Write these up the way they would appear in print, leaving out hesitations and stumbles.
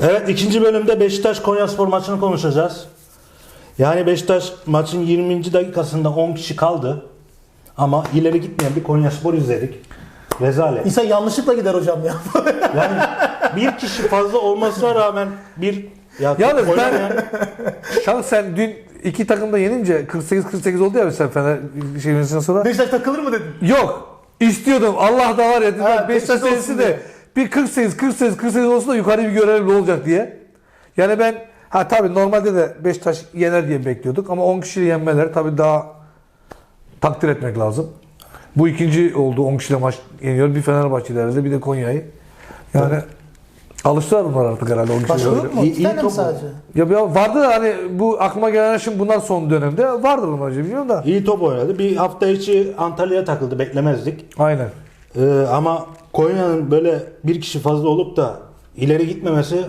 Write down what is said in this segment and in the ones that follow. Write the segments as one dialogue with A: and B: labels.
A: Evet, ikinci bölümde Beşiktaş-Konyaspor maçını konuşacağız. Yani Beşiktaş maçın 20. dakikasında 10 kişi kaldı. Ama ileri gitmeyen bir Konyaspor izledik. Rezalet.
B: İnsan yanlışlıkla gider hocam ya.
A: Yani bir kişi fazla olmasına rağmen
C: Yalnız
A: oynamayan...
C: şahsen dün iki takım da yenince 48-48 oldu ya sen Fener şeyimizden sonra.
B: Beşiktaş takılır mı dedin?
C: Yok. İstiyordum. Allah da var ya.
B: Ha,
C: Beşiktaş
B: Beşiktaş
C: serisi
B: olsun
C: de
B: diye.
C: bir 48 olsun da yukarı bir görelim ne olacak diye. Yani ben tabii normalde de Beşiktaş yener diye bekliyorduk ama 10 kişiyle yenmeler tabii daha takdir etmek lazım. Bu ikinci oldu 10 kişiyle maç yeniyor. Bir Fenerbahçe'lerde bir de Konya'yı. Yani alıştılar bunlar artık herhalde 10 kişiyle.
B: Başka yok mu?
A: İyi-
B: İki tane mi
A: top
B: sadece?
C: Ya vardı da hani bu aklıma gelen şimdi bunlar son dönemde vardır bunlar biliyorum da.
A: İyi top oynadı. Bir hafta içi Antalya'ya takıldı. Beklemezdik.
C: Aynen.
A: Ama Konya'nın böyle bir kişi fazla olup da ileri gitmemesi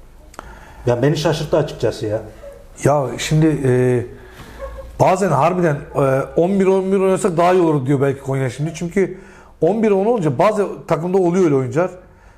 A: ya beni şaşırttı açıkçası ya.
C: Ya şimdi bazen harbiden 11-11 oynasak daha iyi olur diyor belki Konya şimdi. Çünkü 11-10 olunca bazı takımda oluyor öyle oyuncular.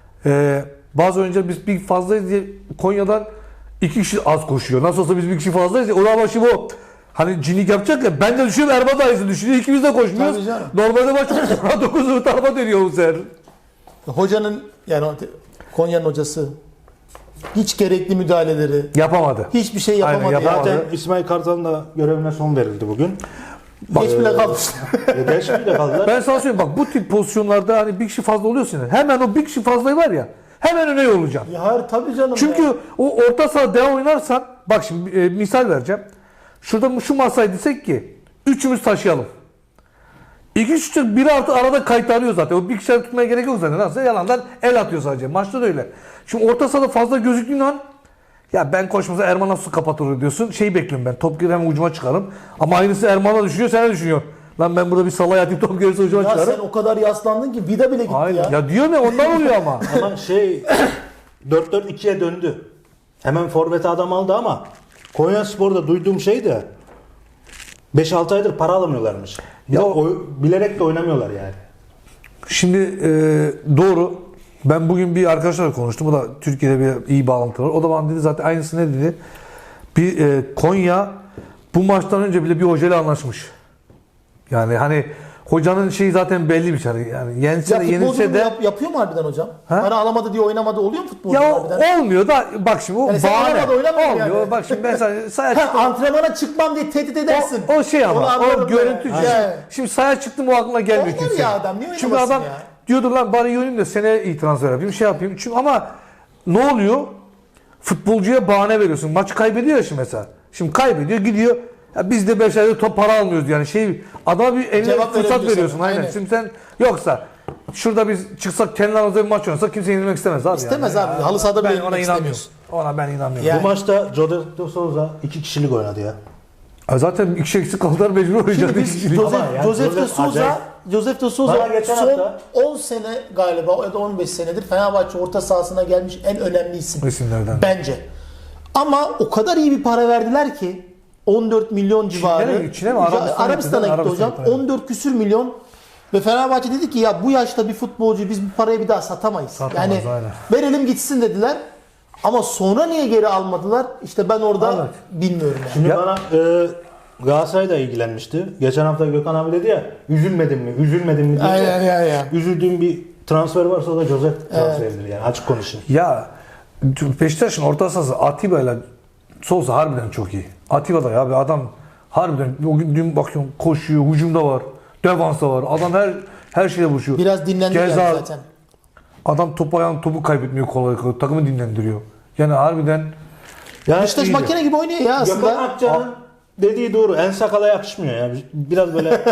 C: Bazı oyuncular biz bir fazlayız diye Konya'dan 2 kişi az koşuyor. Nasıl olsa biz bir kişi fazlayız ya. Ulan başı bu. Hani cinlik yapacak ya. Ben de düşünüyorum Erman da aynısını düşünüyor. İkimiz de koşmuyoruz.
B: Tabii canım.
C: Normalde maç 9 tarafa dönüyor bu sefer.
B: Hocanın yani Konya'nın hocası hiç gerekli müdahaleleri,
C: Yapamadı.
B: hiçbir şey yapamadı.
C: Aynen, yapamadı.
B: ya.
A: Zaten İsmail Kartal'ın da görevine son verildi bugün.
B: Geç bile kalmış.
A: Geç bile kaldılar.
C: Ben sana söyleyeyim bak bu tip pozisyonlarda hani bir kişi fazla oluyorsun. Hemen o bir kişi fazlayı var ya hemen öne yollayacaksın.
B: Ya hayır tabii canım
C: Çünkü
B: ya.
C: o orta saha devam oynarsan bak şimdi misal vereceğim. Şurada şu masayı desek ki üçümüz taşıyalım. İki kişi biri artı arada kaytarıyor zaten. O bir kişiyi tutmaya gerek yok zaten. Nasıl yalandan el atıyor sadece. Maçta da öyle. Şimdi orta sahada fazla gözüktüğün an ya ben koşmasa Erman nasıl kapatır diyorsun. Şeyi bekliyorum ben. Top girer ucuma çıkarım. Ama aynısı Erman'a düşünüyor, sen de düşünüyorsun. Lan ben burada bir salaya atayım top gelirse ucuma
B: Ya
C: çıkarım.
B: sen o kadar yaslandın ki vida bile gitti
C: Aynen.
B: ya.
C: Ya diyorum ya ondan oluyor ama.
A: Ama 4-4-2'ye döndü. Hemen forvete adam aldı ama Konyaspor'da duyduğum şey de 5-6 aydır para alamıyorlarmış. Ya
C: Ya-
A: bilerek de oynamıyorlar yani.
C: Şimdi doğru. Ben bugün bir arkadaşlarla konuştum. O da Türkiye'de bir iyi bağlantı var. O da bana dedi zaten aynısı ne dedi? Konya bu maçtan önce bile bir hocayla anlaşmış. Yani hani hocanın şeyi zaten belliymiş. Yani yense
B: Ya
C: de yenilse
B: futbolcu
C: de
B: yapıyor mu harbiden hocam?
C: Ha?
B: Para alamadı diye oynamadı oluyor mu futbolcu
C: ya
B: harbiden?
C: olmuyor da bak şimdi o
B: Yani sen
C: bahane.
B: oynamadı, oynamadı
C: Olmuyor.
B: yani.
C: Bak şimdi ben sana sahaya
B: Ha,
C: çıktım.
B: antrenmana çıkmam diye tehdit edersin.
C: O şey
B: Onu
C: ama
B: anlarım
C: o görüntü.
B: ben. Yani.
C: Şimdi sahaya çıktım o aklına gelmiyor
B: Oynar
C: kimse.
B: ya adam, niye
C: Çünkü
B: oynamasın
C: adam
B: ya?
C: diyordu lan bari iyi oynayayım da seneye iyi transfer yapayım şey yapayım. Çünkü ama ne oluyor? Futbolcuya bahane veriyorsun. Maçı kaybediyor ya şimdi mesela. Şimdi kaybediyor gidiyor. Ya biz de 5 ayda top para almıyoruz yani adama bir eline
B: Cevap
C: fırsat
B: verebiliyorsun.
C: veriyorsun. Aynen.
B: Aynen.
C: Şimdi sen yoksa şurada biz çıksak kendi aramızda bir maç oynasak kimse yenilmek istemez abi.
B: İstemez
C: yani.
B: abi. Halı sahada bile
C: Ben
B: yenilmek
C: ona inanmıyorum.
B: istemiyorsun.
C: Ona ben inanmıyorum.
B: Ya-
A: Bu maçta Jose de Souza 2 kişilik oynadı ya.
C: Zaten iki kişi eksik kaldılar mecbur oynayacak.
B: Şimdi biz Josef de Souza
A: Bana
B: son
A: geçen hafta-
B: 10 sene galiba ya da 15 senedir Fenerbahçe orta sahasına gelmiş en önemli isim.
C: İsimlerden.
B: Bence. Ama o kadar iyi bir para verdiler ki 14 milyon civarı.
C: Çin'e mi? Arabistan'a
B: gitti
C: gitti,
B: hocam.
C: Arabistan'a.
B: 14 küsür milyon. Ve Fenerbahçe dedi ki ya bu yaşta bir futbolcu biz bu parayı bir daha satamayız.
C: Satamayız,
B: yani
C: aynen.
B: verelim gitsin dediler. Ama sonra niye geri almadılar? İşte ben orada
C: Evet.
B: bilmiyorum yani.
A: Şimdi
C: Ya-
A: bana Galatasaray da ilgilenmişti. Geçen hafta Gökhan abi dedi ya üzülmedin mi diye.
B: Aynen ya.
A: Üzüldüğüm bir transfer varsa o da Jose transferidir yani açık konuşayım.
C: Ya Beşiktaş'ın orta sahası Atiba ile Souza harbiden çok iyi. Atiba da ya abi adam harbiden o gün dün bakıyorum koşuyor, hücumda var, defansta var. Adam her şeyde buluşuyor.
B: Biraz dinlendi yani
C: Keza
B: zaten.
C: adam topu kaybetmiyor kolay kolay. Takımı dinlendiriyor. Yani harbiden
A: Yani
B: Beşiktaş
A: iyi
B: makine gibi oynuyor ya
A: Gökhan
B: aslında.
A: Akça'nın dediği doğru. En sakala yakışmıyor ya. Biraz böyle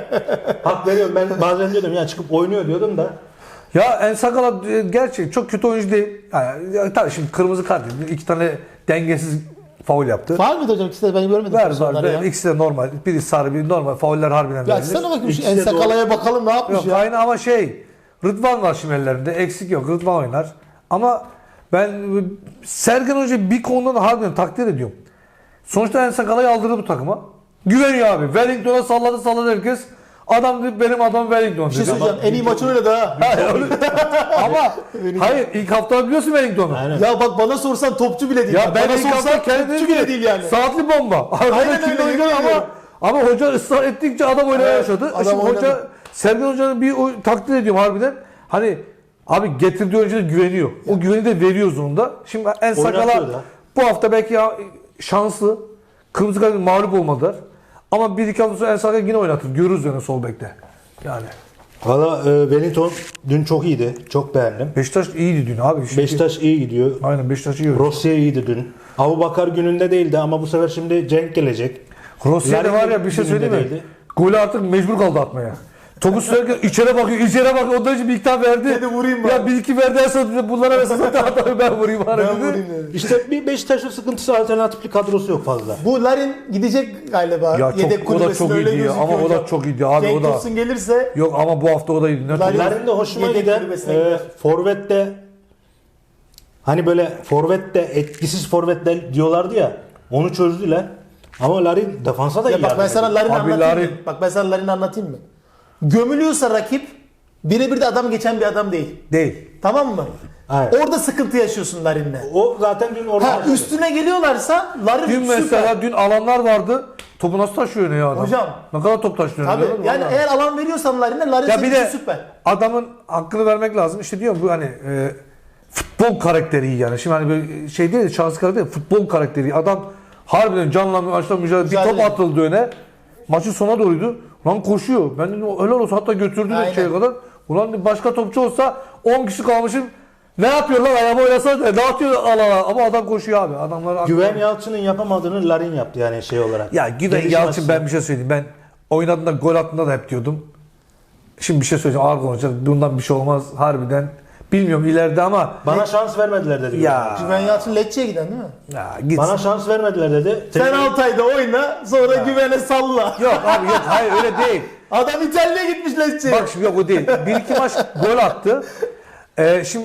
A: hak veriyorum. Ben bazen diyordum ya çıkıp oynuyor diyordum da.
C: ya En Sakala gerçek çok kötü oyuncu değil. Yani, tabii şimdi kırmızı kart yedi. 2 tane dengesiz faul yaptı.
B: Var mıydı hocam? İkisi de ben görmedim.
C: Var
B: pozisyonları ya.
C: İkisi de normal. Biri sarı, biri normal. Fauller harbiden
B: Ya
C: verilir.
B: sana bakayım şu
A: İkisi
B: En
A: de
B: Sakala'ya bakalım ne yapmış
C: Yok
B: ya.
C: aynı ama Rıdvan var şimdi ellerinde. Eksik yok. Rıdvan oynar. Ama ben Sergen Hoca bir konuda da harbiden takdir ediyorum. Sonuçta En Sakala'yı aldırdı bu takıma. Güveniyor abi. Wellington'a salladı herkes. Adam dedi benim adam Wellington
B: Bir şey
C: dedi.
B: söyleyeceğim. En iyi maçı oynadı ha.
C: Ama hayır ilk hafta biliyorsun Wellington'u.
A: Aynen.
B: Ya bak bana sorsan topçu bile değil.
C: Ya
B: Bak,
C: ben
B: bana
C: ilk hafta
B: sorsan
C: kendi
B: topçu bile değil yani.
C: Saatli bomba.
B: Aynen öyle, yemin ediyorum.
C: ama hoca ısrar ettikçe adam oynamaya
B: Evet,
C: başladı.
B: adam
C: Şimdi hoca
B: oynadı.
C: Sergen Hoca'nın takdir ediyorum harbiden. Hani abi getirdiği oyuncuya güveniyor. O güveni de veriyor zonunda. Şimdi En Sakala
A: Oynatıyor da.
C: bu hafta belki şanslı. Kırmızı kart mağlup olmadılar. Ama bir iki hafta sonra En Sakala yine oynatır. Görürüz yani sol bekte. Yani
A: Valla Wellington dün çok iyiydi. Çok beğendim.
C: Beşiktaş iyiydi dün abi. Şimdi-
A: Beşiktaş iyi gidiyor.
C: Aynen Beşiktaş iyi oynuyor.
A: Rosya iyiydi dün. Abubakar gününde değildi ama bu sefer şimdi Cenk gelecek.
C: Rossi'de var ya bir şey söyleyeyim mi?
A: Gününde
C: Golü artık mecbur kaldı atmaya. Topu sürerken içeri bakıyor. Ondan için bir iki tane verdi.
B: Dedi vurayım
C: Ya
B: bari.
C: bir iki verdi en son bunlara versin zaten adamı ben vurayım bari
B: Ben
C: dedi.
B: vurayım dedi.
A: İşte bir Beşiktaş'ın sıkıntısı alternatifli kadrosu yok fazla.
B: Bu Larin gidecek galiba.
C: Ya
B: Yedek
C: çok, o da
B: kulübesine
C: çok
B: öyle
C: iyiydi ya.
B: gözüküyor
C: Ama o da
B: hocam.
C: çok iyiydi abi
B: Cenk
C: o da.
B: Tosun gelirse
C: Yok ama bu hafta o da iyiydi. Ne
B: Larin-
A: Larin de hoşuma
B: Yedek
A: giden
B: kulübesine gider.
A: forvette hani böyle forvette etkisiz forvetler diyorlardı ya onu çözdüler. Ama Larin defansa da iyi
B: ya bak ben
A: yardım
B: sana
A: ediyor.
B: Larin'i
C: Abi
B: anlatayım
C: Larin-
B: mı? Bak ben sana Larin'i anlatayım mı? Gömülüyorsa rakip birebir de adam geçen bir adam değil.
C: Değil.
B: Tamam mı?
A: Aynen.
B: Orada sıkıntı yaşıyorsun Larin'le.
A: O zaten dün orada
B: Ha
A: başladı.
B: üstüne geliyorlarsa Larin
C: Dün
B: süper.
C: mesela dün alanlar vardı. Topu nasıl taşıyor ya adam?
B: Hocam.
C: Ne kadar top taşıyor.
B: Tabii
C: gördün mü?
B: yani
C: Vallahi.
B: eğer alan veriyorsan Larin'e Larin
C: Ya
B: senin
C: bir
B: için
C: de
B: süper.
C: adamın hakkını vermek lazım. İşte diyorum bu hani futbol karakteri iyi yani. Şimdi hani böyle şey değil de şahsi karakter değil, futbol karakteri iyi. Adam harbiden canla maçla mücadele. Bir top
B: Mücadele.
C: atıldı öne. Maçın sona doğruydu. Lan koşuyor. Ben dedim helal olsun hatta götürdü
B: Aynen.
C: de şeye kadar. Ulan başka topçu olsa 10 kişi kalmışım. Ne yapıyorlar ayağıma oynasana ne atıyor alana ama adam koşuyor abi. Adamlar
A: Güven Yalçın'ın yapamadığını Larin yaptı yani şey olarak.
C: ya Güven
A: Gelişim
C: Yalçın
A: açısından.
C: ben bir şey söyleyeyim. Ben oynadığında gol attığında da hep diyordum. Şimdi bir şey söyleyeceğim ağır konuşacağız. Bundan bir şey olmaz harbiden. Bilmiyorum ileride ama
A: Bana şans vermediler dedi.
C: ya,
B: Güven Yalçın Lecce'ye giden değil mi?
C: ya git.
A: Bana şans vermediler dedi.
B: Sen Altay'da oyna sonra Güven'e salla.
C: Yok abi yok hayır öyle değil.
B: Adam İtalya'ya gitmiş Lecce'ye.
C: Bak şimdi yok o değil. Bir iki maç gol attı. Şimdi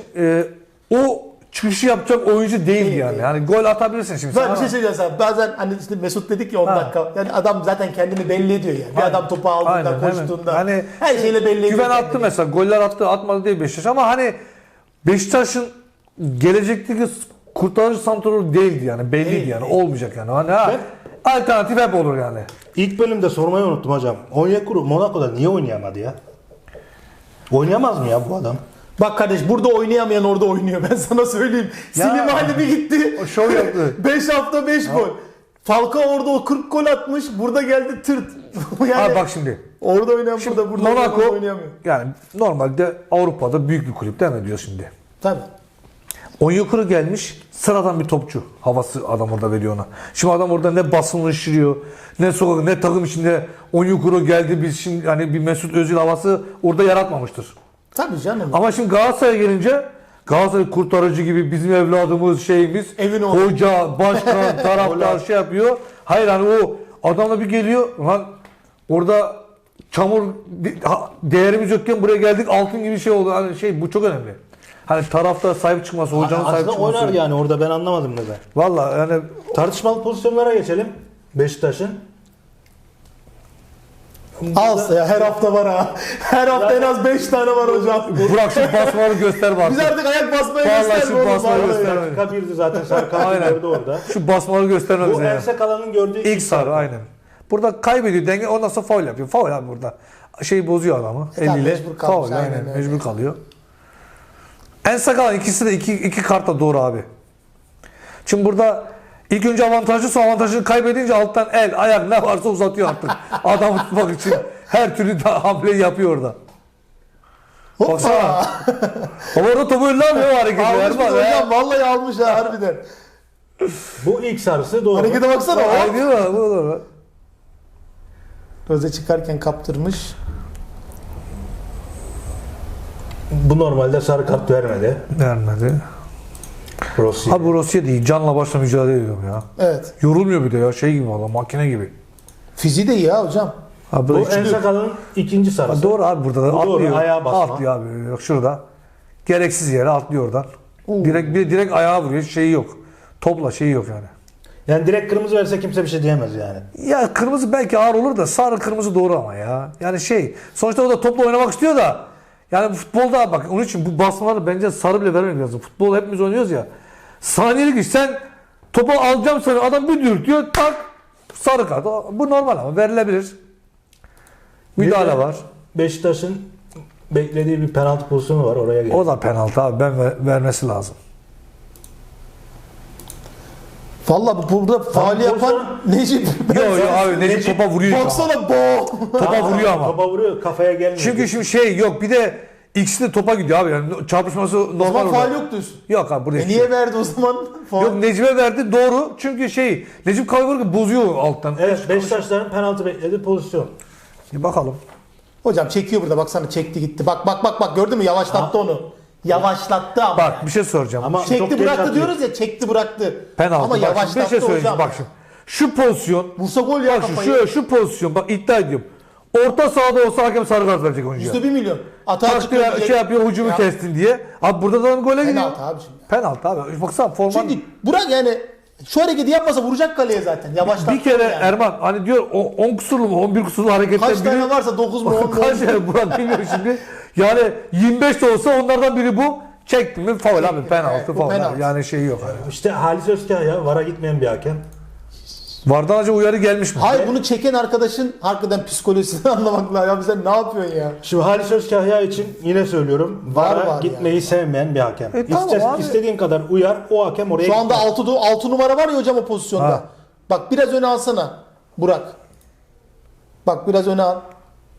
C: o çıkışı yapacak oyuncu değildi yani. Yani gol atabilirsin şimdi.
B: Ben
C: sen
B: bir şey
C: ama-
B: söyleyeceğim sana. Bazen hani işte Mesut dedik ya 10
C: Ha.
B: dakika. Yani adam zaten kendini belli ediyor yani. Bir
C: Aynen.
B: adam topu aldığında,
C: Aynen,
B: koştuğunda.
C: hemen. Hani
B: her şeyle belli ediyor.
C: Güven attı
B: kendini.
C: mesela. Goller attı atmadı değil Beşiktaş ama hani Beşiktaş'ın gelecekteki kurtarıcı santroru değildi yani. Belliydi
B: Değil,
C: yani.
B: değil.
C: Olmayacak yani. Hani ha, alternatif hep olur yani.
A: İlk bölümde sormayı unuttum hocam. Onyekuru Monaco'da niye oynayamadı ya? Oynayamaz mı ya bu adam?
B: Bak kardeş burada oynayamayan orada oynuyor. Ben sana söyleyeyim.
C: Ya.
B: Slimani bir gitti.
C: O şov yaptı.
B: 5 hafta 5 gol. Falcao orada o 40 gol atmış. Burada geldi tırt. yani
C: Abi bak şimdi.
B: orada oynayan burada
C: Monaco
B: oynayamıyor.
C: yani normalde Avrupa'da büyük bir kulüp değil mi diyor şimdi.
B: Tabii.
C: Onyekuru gelmiş sıradan bir topçu. Havası adam orada veriyor ona. Şimdi adam orada ne basınlaştırıyor, ne sokak, ne takım içinde Onyekuru geldi biz şimdi hani bir Mesut Özil havası orada yaratmamıştır.
B: Tabii canım.
C: Ama şimdi Galatasaray'a gelince Galatasaray kurtarıcı gibi bizim evladımız şeyimiz
B: Evin oğlu.
C: hoca, başkan, taraftar şey yapıyor. Hayır hani o adamla bir geliyor lan orada çamur değerimiz yokken buraya geldik altın gibi şey oldu. Hani şey bu çok önemli. Hani taraftar sahip çıkması, hocanın sahip
A: Aslında
C: çıkması.
A: oynar yani orada ben anlamadım neden.
C: Valla yani
A: Tartışmalı pozisyonlara geçelim. Beşiktaş'ın.
B: Alsa ya her hafta var ha. Her hafta en az 5 tane var hocam.
C: Burak şu basmaları göster bak.
B: Biz artık ayak basmaya
C: Vallahi
B: gösterme
C: şu
B: oğlum.
C: basmayı
B: vallahi.
C: göster.
A: Dakika birdi zaten sarı kartı
C: Aynen.
A: gördü orada.
C: Şu basmaları gösterme
A: Bu
C: bize ya.
A: Ense Kalan'ın gördüğü
C: İlk sarı aynen. Burada kaybediyor denge ondan sonra faul yapıyor. Faul abi burada. Şeyi bozuyor adamı.
B: Tabii,
C: Eliyle.
B: mecbur kalmış,
C: Faul
B: aynen
C: aynen.
B: öyle.
C: Mecbur kalıyor. En sakal ikisi de iki kartla doğru abi. Şimdi burada ilk önce avantajlı sonra avantajını kaybedince alttan el, ayak ne varsa uzatıyor artık. Adamı tutmak için her türlü hamleyi yapıyor orada. Baksana.
B: Hoppa.
C: Ama orada topu önüne almıyor o hareketi.
B: Almış
C: Erman,
B: mı
C: he.
B: hocam? Vallahi almış ha harbiden.
A: Bu ilk sarısı doğru.
B: Harekete baksana.
C: Ay,
B: Hop.
C: değil mi? Bu doğru.
B: Roze çıkarken kaptırmış.
A: Bu normalde sarı kart vermedi.
C: Vermedi.
A: Rossi.
C: Abi bu Rusya değil. Canla başla mücadele ediyorum ya.
B: Evet.
C: Yorulmuyor bir de ya. Şey gibi valla makine gibi.
B: Fiziği de iyi ha hocam.
C: Abi
A: Bu
C: böyle üçlü-
A: Ense Kalan'ın ikinci sarısı.
C: Doğru abi burada da
A: Bu doğru,
C: atlıyor.
A: ayağa basma.
C: Atlıyor abi. Yok şurada. Gereksiz yere atlıyor oradan. Direkt ayağa vuruyor. Şeyi yok. Topla şeyi yok yani.
A: Yani direkt kırmızı verse kimse bir şey diyemez yani.
C: Ya kırmızı belki ağır olur da sarı kırmızı doğru ama ya. Yani sonuçta o da topla oynamak istiyor da yani futbolda bak onun için bu basmaları bence sarı bile vermemek lazım. Futbol hepimiz oynuyoruz ya. Saniyelik iş sen topu alacağım sana adam bir dürtüyor tak sarı kart. Bu normal ama verilebilir. Müdahale
A: Bir de
C: var.
A: Beşiktaş'ın beklediği bir penaltı pozisyonu var oraya geliyor.
C: O da penaltı abi vermesi lazım.
B: Valla burada faul yapan Necip.
C: Yok abi Necip topa vuruyor.
B: Baksana bo.
C: Topa vuruyor ama.
A: Topa vuruyor, kafaya gelmiyor.
C: Çünkü şimdi yok bir de ikisi de topa gidiyor abi yani çarpışması
B: O
C: normal
B: zaman
C: orada.
B: faul yok diyorsun.
C: Yok abi burada hiçbir şey
B: Niye
C: yok.
B: verdi o zaman faul?
C: Yok Necip'e verdi doğru çünkü Necip kaybolurken bozuyor alttan.
A: Evet, Beşiktaşların penaltı beklediği pozisyon.
C: Bir bakalım.
B: Hocam çekiyor burada baksana çekti gitti. Bak gördün mü yavaşlattı onu. Yavaşlattı ama.
C: Bak bir şey soracağım.
A: Ama
C: Şimdi
A: çok
B: Çekti
A: geç
B: bıraktı
A: atıyor.
B: diyoruz ya çekti bıraktı.
C: penaltı.
B: Ama
C: Bak, şimdi bir
B: yavaşlattı
C: şey söyleyeceğim.
B: hocam.
C: Bak şimdi. Şu pozisyon.
B: Vursa gol ya
C: Bak
B: kafayı.
C: şu pozisyon. Bak iddia ediyorum. Orta sahada olsa hakem sarı kart verecek oyuncuya.
B: %1 milyon. Atağa
C: Taktı
B: çıkıyor. diyecek.
C: yapıyor hücumu
B: Ya,
C: kestin diye. Abi burada da gole gidiyor.
B: Penaltı abi şimdi.
C: Penaltı abi. Baksana forman.
B: Çünkü Burak yani şu hareketi yapmasa vuracak kaleye zaten. Yavaşlattı.
C: Bir kere
B: yani.
C: Erman hani diyor 10 kusurlu mu 11 kusurlu hareketten
B: Kaç
C: biri.
B: tane varsa 9 mu 10 mu?
C: Kaç tane Burak bilmiyorum şimdi. Yani 25 de olsa onlardan biri bu. Çekti mi faul abi penaltı
B: Evet, bu
C: faul.
B: penaltı.
C: Yani yok. Yani.
A: İşte Halis Özkaya VAR'a gitmeyen bir hakem.
C: Vardan önce uyarı gelmiş mi?
B: Hayır bunu çeken arkadaşın hakikaten psikolojisini anlamak lazım. Ya sen ne yapıyorsun ya?
A: Şimdi Halis Özkaya için yine söylüyorum. VAR'a
B: var
A: gitmeyi
B: yani.
A: sevmeyen bir hakem.
C: Tamam abi.
A: İstediğin kadar uyar, o hakem oraya
B: Şu anda
A: gitmez.
B: 6 numara var ya hocam o pozisyonda.
C: Ha.
B: Bak biraz öne alsana Burak. Bak biraz öne al.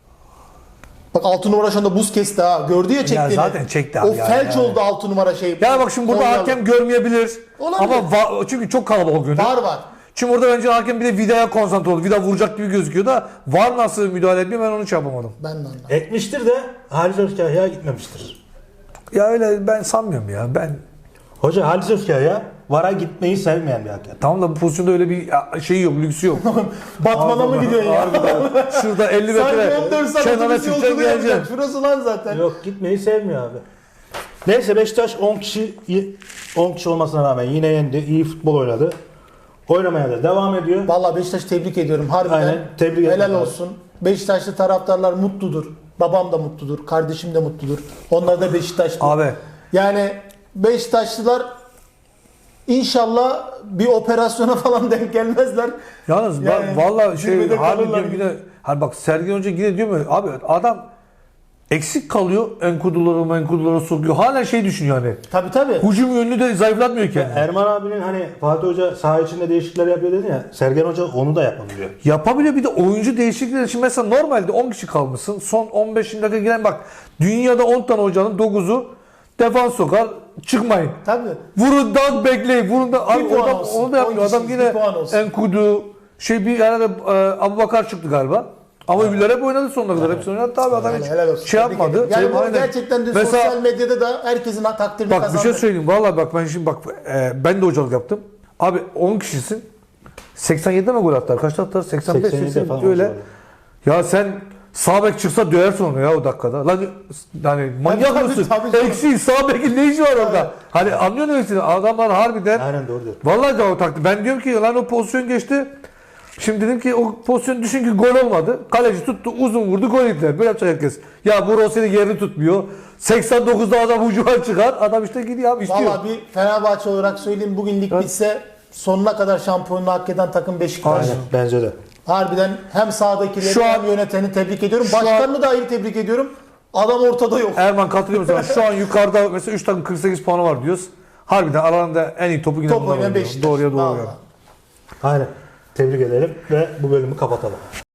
B: Bak 6 numara şu anda buz kesti ha. Gördü ya çektiğini.
C: zaten çekti abi
B: O
C: ya,
B: felç
C: yani.
B: oldu 6 numara şey.
C: Ya bak şimdi burada
B: Konyalı.
C: hakem görmeyebilir.
B: Olabilir.
C: Ama çünkü çok kalabalık görünüyor.
B: Var.
C: Çünkü orada bence hakem bir de vidaya konsantre oldu. Vida vuracak gibi gözüküyor da var nasıl müdahale ediyor ben onu hiç yapamadım.
B: Ben de anladım.
A: Etmiştir de Halis Özkaya gitmemiştir.
C: Ya öyle ben sanmıyorum ya.
A: Hoca Halis Özkaya VAR'a gitmeyi sevmeyen bir hakem.
C: Tamam da bu pozisyonda öyle bir şey yok, lüksü yok.
B: Batman'a mı gidiyorsun ya?
C: Şurada 50
B: Sanki
C: metre
B: 14 saat
C: kenara
B: otobüs
C: çıkacaksın
B: yolculuğu yapacak.
C: geleceksin.
B: Şurası lan zaten.
A: Yok, gitmeyi sevmiyor abi. Neyse Beşiktaş 10 kişi olmasına rağmen yine yendi. İyi futbol oynadı. Oynamaya da devam ediyor.
B: Vallahi Beşiktaş'ı tebrik ediyorum. Harbiden
A: Aynen, tebrik
B: helal
A: ederim.
B: olsun. Beşiktaşlı taraftarlar mutludur. Babam da mutludur. Kardeşim de mutludur. Onlar da Beşiktaşlı.
C: Abi
B: Yani Beşiktaşlılar inşallah bir operasyona falan denk gelmezler.
C: yalnız
B: Yani
C: vallahi
B: zirvede
C: harbi
B: kalırlar
C: diyorum yine hani bak Sergen Hoca yine diyor mu abi adam eksik kalıyor enkuduları sokuyor. Hala düşünüyor hani.
B: Tabii.
C: Hücum yönünü de zayıflatmıyor kendini.
A: Erman abinin hani Fatih Hoca saha içinde değişiklikler yapıyor dedi ya. Sergen Hoca onu da yapabiliyor.
C: Yapabiliyor bir de oyuncu değişiklikleri için mesela normalde 10 kişi kalmışsın. Son 15 dakika giren bak dünyada 10 tane hocanın 9'u defans sokar çıkmayın.
B: Tabii.
C: Vurun da bekleyin. Vurun da abi
B: puan
C: adam,
B: olsun.
C: onu da yapmıyor.
B: 10
C: Adam
B: kişiyiz,
C: yine
B: bir puan olsun.
C: Enkudu bir arada Abubakar çıktı galiba. Ama öbürler hep oynadı sonuna kadar. Hepsi oynadı abi adam hiç
B: Helal olsun.
C: şey
B: Tebrik
C: yapmadı.
B: ederim. Yani bu
C: Aynen.
B: gerçekten de
C: Mesela,
B: sosyal medyada da herkesin takdirini
C: bak
B: kazandı.
C: bir şey söyleyeyim. Vallahi bak ben şimdi ben de hocalık yaptım. Abi 10 kişisin. 87'de mi gol attılar? Kaçta attılar? 85,
A: 87'de
C: 80
A: falan
C: öyle.
A: oldu.
C: Ya sen sağ bek çıksa döversin onu ya o dakikada. Lan yani manyak
B: Tabii,
C: mısın?
B: tabii canım.
C: Eksiği sağ bekin ne işi var orada? Hani anlıyor musun? Adamlar harbiden
A: Aynen doğru diyor.
C: vallahi de o taktı. Ben diyorum ki lan o pozisyon geçti. Şimdi dedim ki o pozisyon düşün ki gol olmadı. Kaleci tuttu uzun vurdu gol yediler. Böyle yapacak herkes. Ya bu Rossi'nin yerini tutmuyor. 89'da adam hücuma çıkar. Adam işte gidiyor abi istiyor.
B: Valla bir Fenerbahçe olarak söyleyeyim bugün lig bitse sonuna kadar şampiyonluğu hak eden takım Beşiktaş.
A: Aynen bence de.
B: Harbiden hem sahadakileri
C: Şu an-
B: hem yöneteni tebrik ediyorum.
C: Şu an-
B: Başkanını da ayrı tebrik ediyorum. Adam ortada yok.
C: Erman katılıyor musun? Şu an yukarıda mesela 3 takım 48 puanı var diyoruz. Harbiden aralarında en iyi topu yine
B: Top
C: bunlar
B: oynayan
C: oynuyor.
B: Beşiktaş.
C: Doğruya doğru.
B: Vallahi.
C: yani.
A: Aynen. Tebrik edelim ve bu bölümü kapatalım.